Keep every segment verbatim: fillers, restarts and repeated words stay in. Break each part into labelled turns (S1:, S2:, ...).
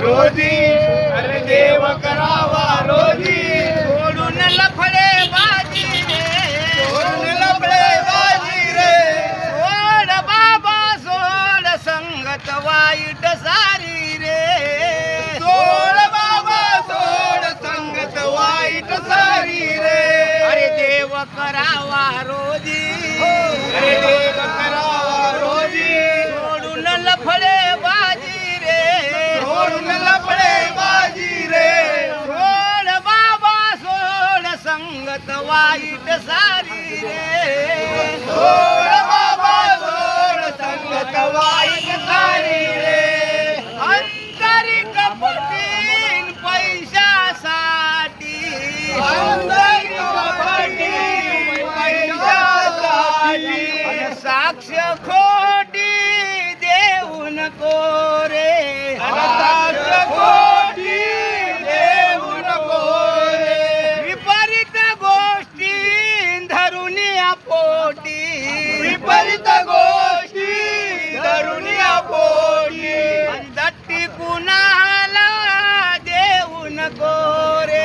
S1: रोजी, अरे देव करावा रोजी. सोडून लफडे बाजी रे, सोडून लफडे बाजी रे. सोड बाबा सोड संगत वाईट सारी रे. सोड बाबा सोड संगत वाईट सारी रे. अरे देव करावा रोजी, अरे देव करावा रोजी. सोडून लफडे बाजी रे, सोडून लफडे बाजी रे. सोड बाबा सोड संगत वाईट सारी रे. सोड बाबा सोड संगत वाईट सारी रे. अंतरी कपटीन पैशासाठी, अंतरी कपटीन पैशासाठी. साक्ष खोटी देऊ नको रे, साक्ष खोटी देऊ नको रे. विपरीत गोष्टी धरून या पोटी, विपरीत गोष्टी धरून या पोटी. दट्टी कुणाला देऊ नको रे,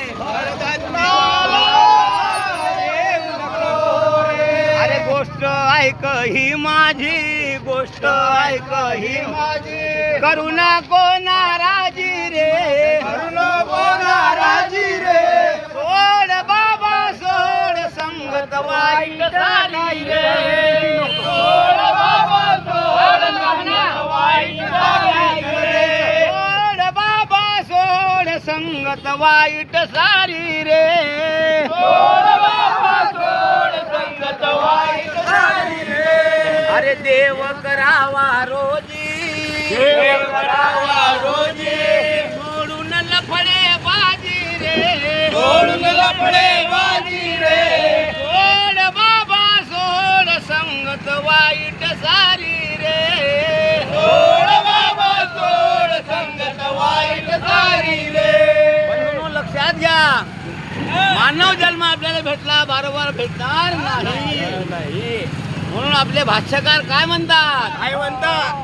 S1: अरे गोष्ट ऐक ही माझी, गोष्ट ऐक ही माझी. करू नको नाराजी रे, करू नको नाराजी रे. सोड बाबा सोड संगत वाईट झाली रे. सोड बाबा सोड संगत वाईट झाली रे. सोड बाबा सोड संगत वाईट सारी रे. सोड बाबा सोड संगत वाईट सारी रे. अरे देव करावा रोजी, देव करावा रोजी. सोडून लफडे बाजी रे, सोडून लफडे बाजी रे. सोड बाबा सोड संगत वाईट सारी रे. सोड बाबा सोड संगत वाईट सारी रे. बंधूंनो लक्षात घ्या, मानव जन्म आपल्याला भेटला बारोबार भेटणार नाही. म्हणून आपले भाष्यकार काय म्हणतात, काय म्हणतात.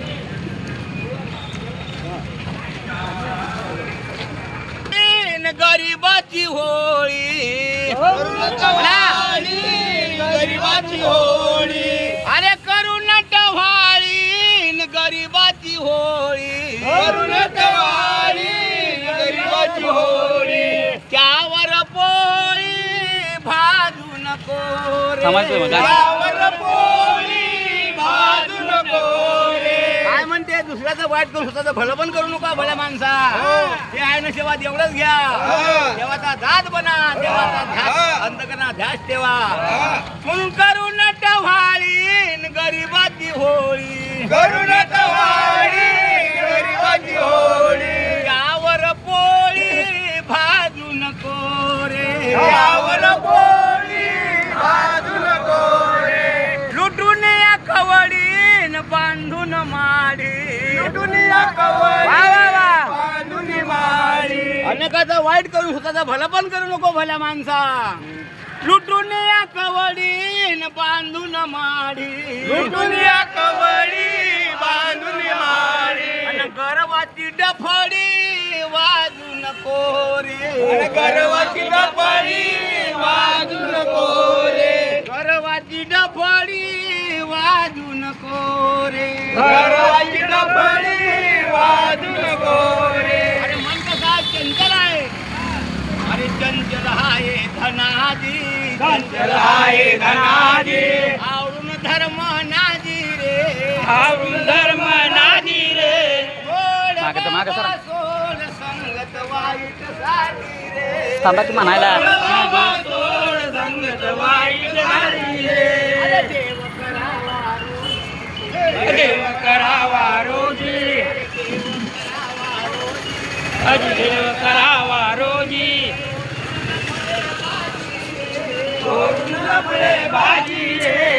S1: गरीबाची होळी, गरीबाची होळी. अरे करून टवाळी गरीबाची होळी, करून टवाळी गरीबाची होळी. त्यावर पोळी भाजू नको रे, त्यावर पोळी भाजू नको रे. काय म्हणते, दुसऱ्याचं वाईट करून स्वतःचं भलं पण करू नका भल्या माणसा. ते आहे ना सेवा एवढंच घ्या. देवाचा दात बना, देवाचा ध्यास अंतकरणा ध्यास ठेवा. म्हणून करून टवाळी गरीबाची होळी, करून टवाळी गरीबाची होळी. यावर पोळी भाजू नको रे, यावर पोळी भाजू नको रे. लुटून या कवडीन बांधून माडी, लुटून या कवडी बांधून माडी. अनेकाचं वाईट करून स्वतःचं भलं पण करू नको भल्या माणसा. लुटून या कवडीन बांधून माडी, लुटून या कवडी बांधून माडी. आणि गर्वाची डफडी वाजू नको रे, गर्वाची डफडी वाजू नको रे. गर्वाची डफडी वाजू नको रे, गर्वाची डफडी वाजू नको रे. अरे मन कसा चंचल आहे, अरे चंचल आहे धनाजी, चंचल आहे धनाजी. आवडून धर्म नाजी रे, आवडून धर्म नाजी रे. सोड बाबा सोड संगत वाईट सारी रे.
S2: थांबा की म्हणायला,
S1: सोड संगत वाईट सारी रे. अरे देव करावा रोजी, देव करावा रोजी. अरे देव करावा रोजी. सोडून लफडे बाजी रे,